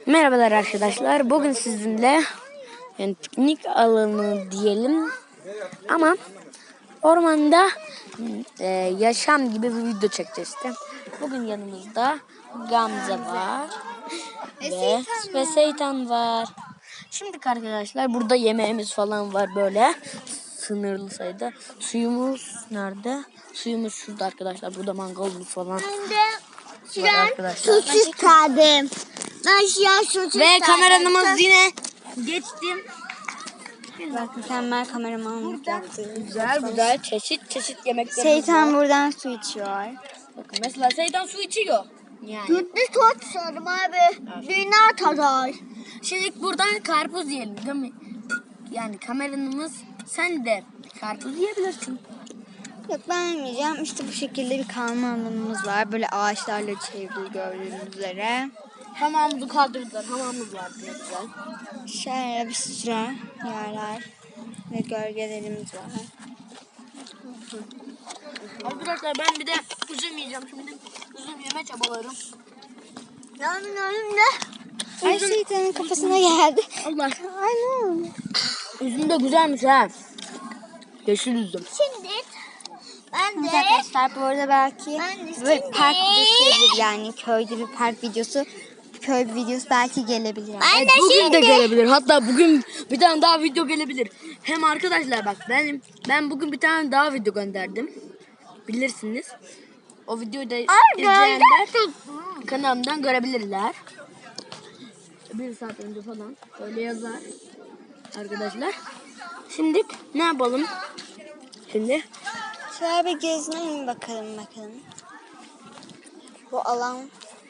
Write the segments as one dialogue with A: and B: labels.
A: Merhabalar arkadaşlar. Bugün sizinle piknik alanı diyelim ama ormanda yaşam gibi bir video çekeceğiz işte. Bugün yanımızda Gamze var ve Seytan var. Şimdi arkadaşlar burada yemeğimiz falan var böyle sınırlı sayıda. Suyumuz nerede? Suyumuz şurada arkadaşlar. Burada mangalımız falan var arkadaşlar.
B: Su çıkardım.
A: Ve kameramız yine geçtim.
B: Bak mükemmel kameramanlık yaptı.
A: Güzel çeşit yemekler.
B: Seytan buradan su içiyor.
A: Bakın mesela Seytan su içiyor. Yani.
B: Tut sorum abi. Dünya tadar.
A: Şimdi buradan karpuz yiyelim değil mi? Yani kameramız sen de karpuz yiyebilirsin.
B: Yok ben yemeyeceğim. İşte bu şekilde bir kalma alanımız var. Böyle ağaçlarla çevrili gördüğünüz üzere.
A: Hamamımızı kaldırdılar. Hamamımız var diye güzel.
B: Şöyle bir sürü yerler ve gölgelerimiz var.
A: Arkadaşlar ben bir de üzüm yiyeceğim. Şimdi üzüm yeme çabalarım.
B: Yani önümde. Ay Seytan'ın kafasına geldi.
A: Allah.
B: Ay ne oldu?
A: Üzüm de güzelmiş ha. Yeşil üzüm.
B: Şimdi ben de arkadaşlar bu arada belki böyle park videosu gelir yani köyde bir park videosu. Köy videosu belki gelebilir. Yani.
A: Evet, bugün de gelebilir. Hatta bugün bir tane daha video gelebilir. Hem arkadaşlar bak ben bugün bir tane daha video gönderdim. Bilirsiniz. O videoyu da izleyenler kanalımdan görebilirler. 1 saat önce falan öyle yazar arkadaşlar. Şimdi ne yapalım? Şimdi
B: Şöyle bir gezinelim bakalım. Bu alan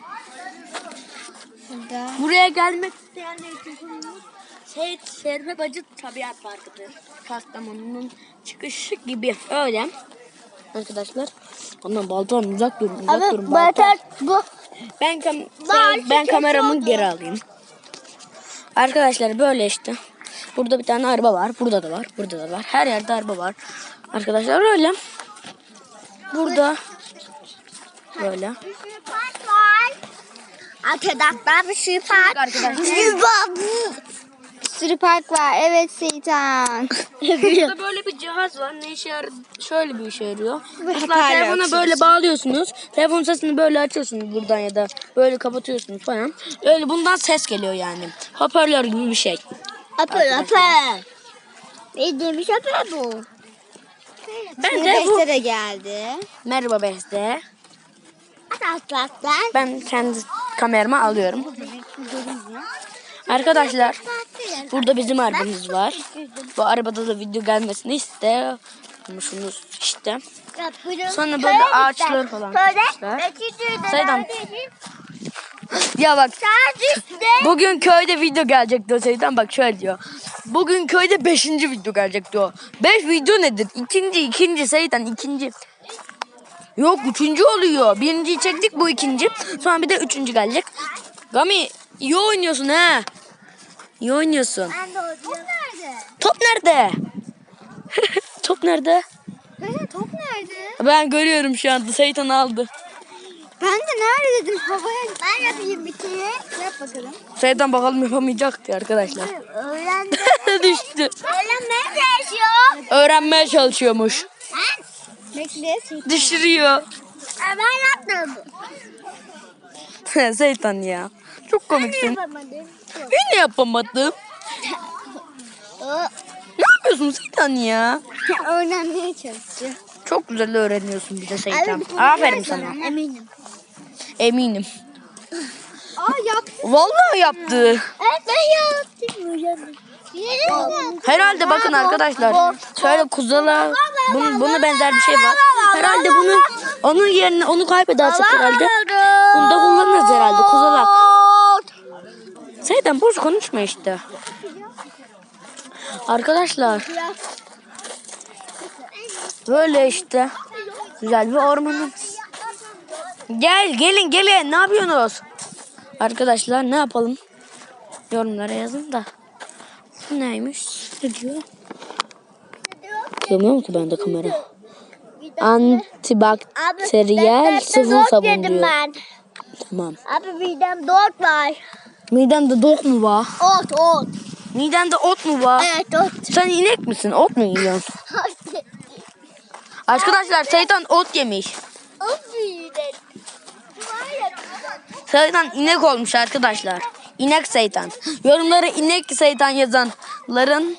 B: burada.
A: buraya gelmek isteyenler için Şerife Bacı Tabiat Parkı'dır. Kastamonu'nun çıkışı gibi öyle. Arkadaşlar ondan baltam uzak durun baltam.
B: Bu.
A: Ben kameramı geri alayım. Arkadaşlar böyle işte. Burada bir tane araba var. Burada da var. Burada da var. Her yerde araba var. Arkadaşlar öyle. Burada böyle.
B: Park var. Arkadaşlar bir sürü park. Bir sürü park var. Evet Seytan.
A: Burada böyle bir cihaz var. Ne işe yarar? Şöyle bir işe yarıyor. Mesela
B: hoparlör
A: telefona böyle
B: açıyorsun.
A: bağlıyorsunuz. Telefon sesini böyle açıyorsunuz buradan ya da böyle kapatıyorsunuz falan. Öyle bundan ses geliyor yani. Hoparlör gibi bir şey.
B: Apır. Ne demiş apır bu?
A: Ben de bu.
B: Beste de geldi.
A: Merhaba Beste.
B: Arkadaşlar.
A: Ben kendi kameramı alıyorum. Arkadaşlar burada bizim arabamız var. Bu arabada da video gelmesini istiyormuşsunuz işte. Sonra böyle ağaçlar falan yapmışlar. Seydan. Ya bak bugün köyde video gelecek diyor Seydan, bak şöyle diyor. Bugün köyde 5. video gelecek diyor. 5 video nedir? İkinci Seydan ikinci. Yok 3. oluyor. 1.'yi çektik, bu 2. Sonra bir de 3. gelecek. Gami iyi oynuyorsun ha. İyi oynuyorsun. Top nerede? Top nerede?
B: Top nerede?
A: Ben görüyorum şu anda. Seytan aldı.
B: Ben de nerede dedim havaya. Ben yapayım bir kere. Yap bakalım.
A: Seytan bakalım yapamayacaktı arkadaşlar.
B: Öğrendim.
A: Düştü.
B: Öğrenmeye çalışıyor.
A: Öğrenmeye çalışıyormuş.
B: Bekle.
A: Düşürüyor.
B: Ben yaptım.
A: Seytan ya. Çok komiksin.
B: Yapamadım.
A: Yine yapamadım. Ne yapıyorsun Seytan ya?
B: Öğrenmeye çalışıyor.
A: Çok güzel öğreniyorsun bir de Seytan. Aferin sana.
B: Eminim.
A: Eminim.
B: Yaptı.
A: Vallahi yaptı.
B: Evet ben yaptım.
A: Herhalde bakın arkadaşlar. Şöyle kuzala buna benzer bir şey var. Herhalde onun yerine onu kaybedersek herhalde. Bunu da kullanırız herhalde kuzalak. Seydan boş konuşma işte. Arkadaşlar. Böyle işte. Güzel bir ormanımız. Gelin ne yapıyorsunuz? Arkadaşlar ne yapalım? Yorumlara yazın da. Bu neymiş? Ne diyor? Görmüyor musun bende kamera? Antibakteriyel sıvı sabun diyor. Tamam.
B: Abi midem dört var.
A: Midende dok mu var?
B: Ot.
A: Midende ot mu var?
B: Evet ot.
A: Sen inek misin? Ot mu yiyorsun? Arkadaşlar Seytan ot yemiş. Seytan inek olmuş arkadaşlar. İnek Seytan. Yorumlara inek Seytan yazanların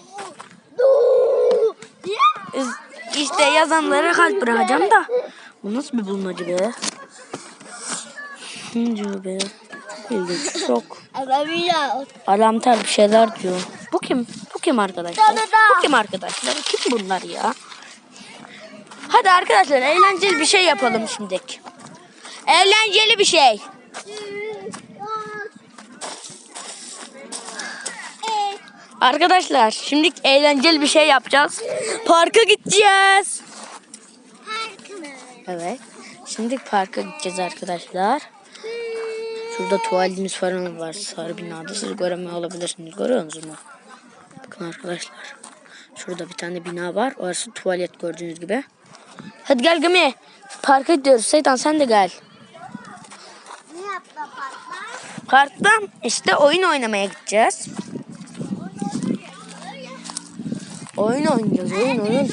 A: işte yazanlara kalp bırakacağım da. Bu nasıl bir bulmaca be? Ne diyor be? İlginç. Çok. Alamtar bir şeyler diyor. Bu kim? Bu kim arkadaşlar? Bu kim arkadaşlar? Kim bunlar ya? Hadi arkadaşlar eğlenceli bir şey yapalım şimdi. Eğlenceli bir şey. Arkadaşlar şimdi eğlenceli bir şey yapacağız. Parka gideceğiz. Evet. Şimdi parka gideceğiz arkadaşlar. Şurada tuvaletimiz falan var. Sarı binada. Siz göremiyor olabilirsiniz. Görüyor musunuz mu? Bakın arkadaşlar. Şurada bir tane bina var. Orası tuvalet gördüğünüz gibi. Hadi gel Gami. Parka gidiyoruz. Seytan sen de gel.
B: Ne yaptı parkta?
A: Parkta işte oyun oynamaya gideceğiz. Oyun oynayacağız. Oyun.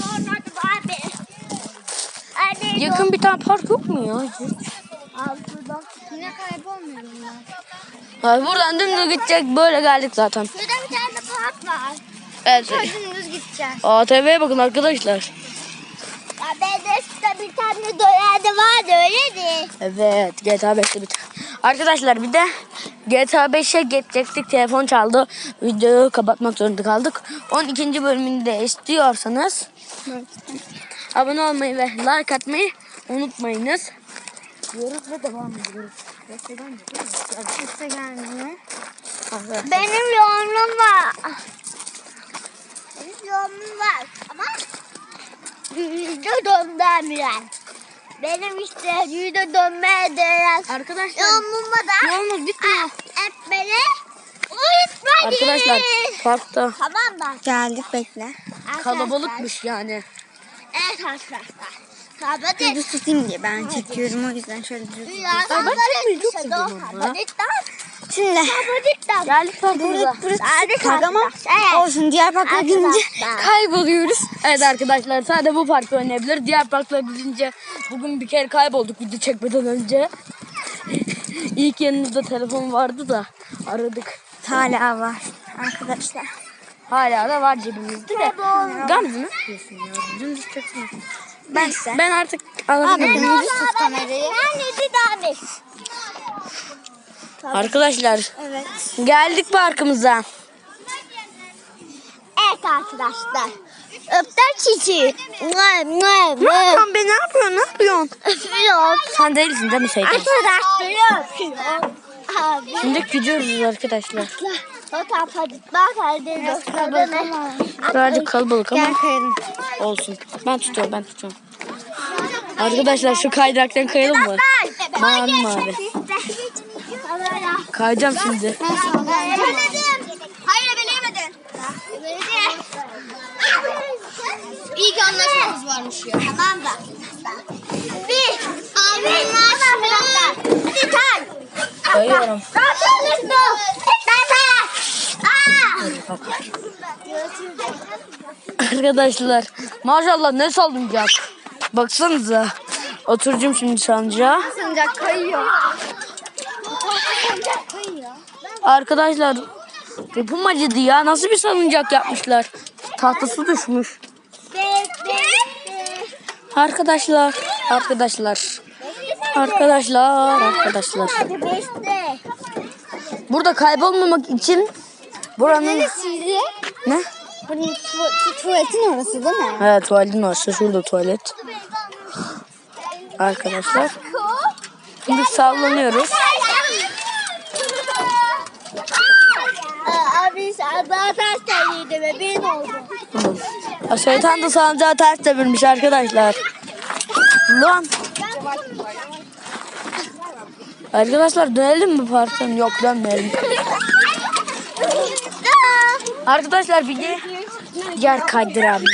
A: Yakın bir tane park yok mu ya?
B: Yine kaybolmuyor
A: Ay, buradan dümdüz gidecek. Böyle geldik zaten.
B: Burada bir tane park var.
A: Evet.
B: Dümdüz gideceğiz.
A: ATV'ye bakın arkadaşlar.
B: BDS'de bir tane dolarda vardı öyle mi?
A: Evet, GTA 5'te bir tane. Arkadaşlar bir de GTA 5'e geçecektik. Telefon çaldı. Videoyu kapatmak zorunda kaldık. 12. bölümünü de istiyorsanız abone olmayı ve like atmayı unutmayınız. Diyoruz ve devam ediyoruz.
B: Kimse gelmiyor.
A: Evet.
B: Benim yoğunluğum var. Benim yoğunluğum var ama yüzde dönmem. Benim işte yüzde dönmeye değer.
A: Arkadaşlar
B: Yoğunluğuma da
A: yolumuz bitmiyor.
B: etmeni unutmayın.
A: Arkadaşlar parkta
B: Tamam mı? Geldik bekle.
A: kalabalıkmış yani.
B: Evet arkadaşlar. Kapatık. Düz tutayım diye ben çekiyorum o yüzden şöyle düz tutayım.
A: Ben çekmeyi çok seviyorum ama.
B: Şimdi
A: Geldik parkımıza.
B: burası park ama olsun diğer parklara gidince
A: Kayboluyoruz. Evet arkadaşlar sadece bu parkta oynayabilir. Diğer parklara gidince bugün bir kere kaybolduk video çekmeden önce. İlk yanımızda telefon vardı da aradık.
B: hala var arkadaşlar.
A: Hala da var cebimizde de. Gamze ne yapıyorsun ya? Dümdüz çeksene. Ben artık alabilirim.
B: Düz tut kamerayı.
A: Arkadaşlar
B: Evet.
A: geldik parkımıza.
B: Evet arkadaşlar. Öpter çiçeği.
A: Ne yapıyorsun be, ne yapıyorsun? Ne yapıyorsun?
B: Öpüyorum.
A: Sen değilsin değil mi Seydan?
B: Arkadaşlar öpüyorum. Abi.
A: Şimdi gidiyoruz arkadaşlar. Birazcık kalabalık ama
B: Gel kayalım.
A: olsun. Ben tutuyorum. Arkadaşlar şu kaydıraktan kayalım mı? Mavi mavi. Kayacağım şimdi.
B: Hayır belirlemedin. İyi ki anlaşmamız varmış ya. Tamam da. Bir. Anlaşma. Hadi kay.
A: Kayıyorum. Arkadaşlar maşallah ne salıncak. Baksanıza. Oturacağım şimdi sancağa.
B: Salıncak kayıyor.
A: Arkadaşlar yapım acıdı ya. Nasıl bir salıncak yapmışlar. Tahtası düşmüş. Arkadaşlar. Burada kaybolmamak için buranın
B: Neresiydi?
A: ne?
B: Buranın tuvaletin orası değil mi?
A: Evet tuvaletin orası. Şurada tuvalet. Arkadaşlar. Şimdi sallanıyoruz.
B: Abi sen daha ters terliydi ve benim oldu.
A: Şeytan da sancağı ters çevirmiş arkadaşlar. Lan. Arkadaşlar dönelim mi parktan? Yok dönmeyelim. Arkadaşlar bir de yer kaydıralım.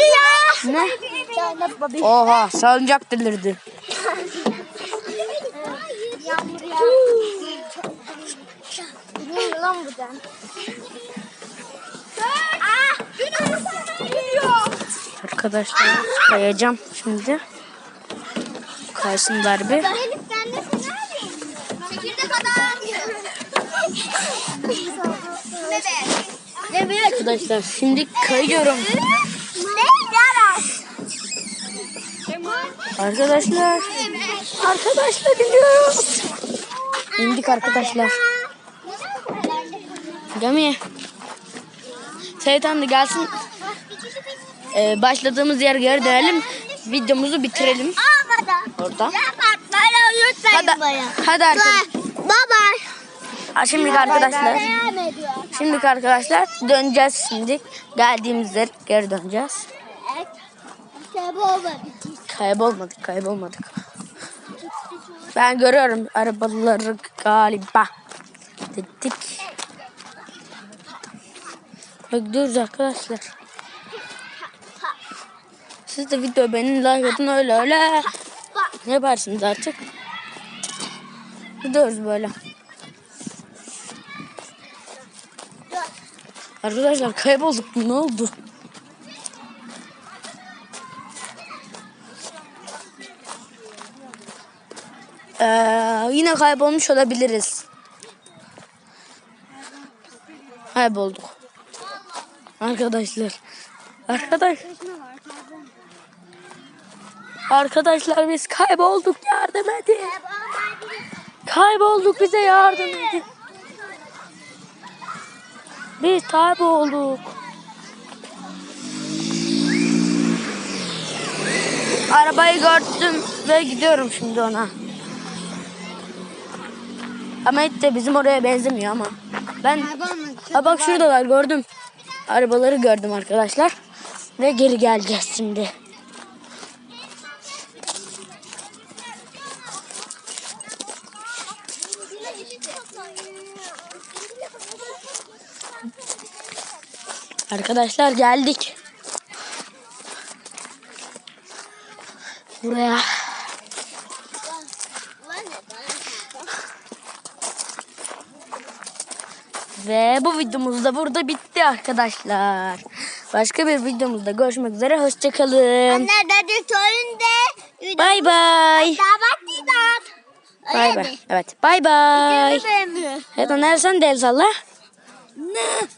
A: Ne? Oha salıncak delirdi.
B: yüzden.
A: Arkadaşlar kayacağım şimdi. Kaysınlar bir.
B: Elif ben de seni alayım. Çekirdek adam. Ne be?
A: Arkadaşlar şimdi kayıyorum.
B: Ne yarar?
A: Arkadaşlar iniyoruz. İndik arkadaşlar. Gami. Seytan da gelsin. Başladığımız yere geri dönelim. Videomuzu bitirelim. Orada. Hadi arkadaşlar. Şimdi arkadaşlar. Şimdi arkadaşlar döneceğiz şimdi. Geldiğimiz yere geri döneceğiz. Kaybolmadık. Ben görüyorum arabaları galiba. Dedik. Gidiyoruz arkadaşlar. Siz de video beğenin, like atın, öyle. Ne yaparsınız artık? Gidiyoruz böyle. Arkadaşlar kaybolduk. Ne oldu? Yine kaybolmuş olabiliriz. Kaybolduk. Arkadaşlar biz kaybolduk, yardım edin. Kaybolduk, bize yardım edin. Biz kaybolduk. Arabayı gördüm ve gidiyorum şimdi ona. Ama hiç de bizim oraya benzemiyor ama. Bak şuradalar, gördüm. Arabaları gördüm arkadaşlar. Ve geri geleceğiz şimdi. Arkadaşlar geldik. Buraya. Ve bu videomuz da burada bitti arkadaşlar. Başka bir videomuzda görüşmek üzere. Hoşçakalın. Bay bay. Bay bay. Evet. Bay bay. Evet, nereden el salla.
B: Ne?